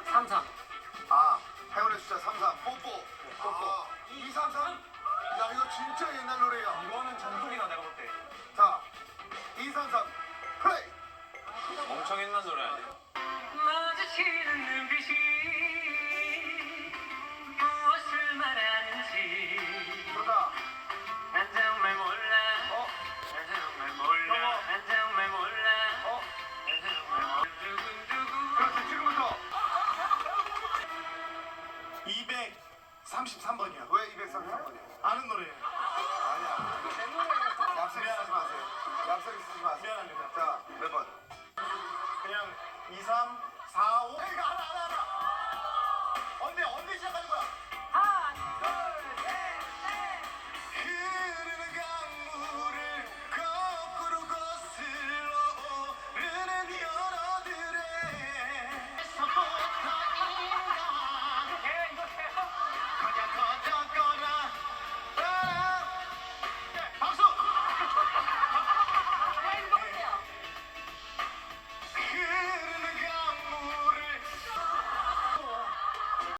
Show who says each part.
Speaker 1: 33.
Speaker 2: 아, 행운의 숫자 33. 뽀뽀. 뽀뽀. 233. 야, 이거 진짜 옛날 노래야.
Speaker 3: 이거는 전속이다 내가 볼 때.
Speaker 2: 자, 233. 플레이.
Speaker 3: 엄청 옛날 노래 아니야?
Speaker 1: 마주치는 눈빛이 무엇을 말하는지
Speaker 2: 좋다.
Speaker 1: 난 정말 몰라. 난 정말 몰라. 난 정말 몰라. 난 정말 몰라. 두근두근.
Speaker 2: 그렇지, 지금부터.
Speaker 4: 233번이야.
Speaker 2: 왜 233번이야?
Speaker 4: 아는 노래예요.
Speaker 2: 아니야. 얍살이 쓰지 마세요. 얍살이 쓰지 마세요.
Speaker 4: 미안합니다.
Speaker 2: 자, 몇 번?
Speaker 4: 그냥 2, 3, 4, 5. 이거 알아. 언제 시작하는 거야?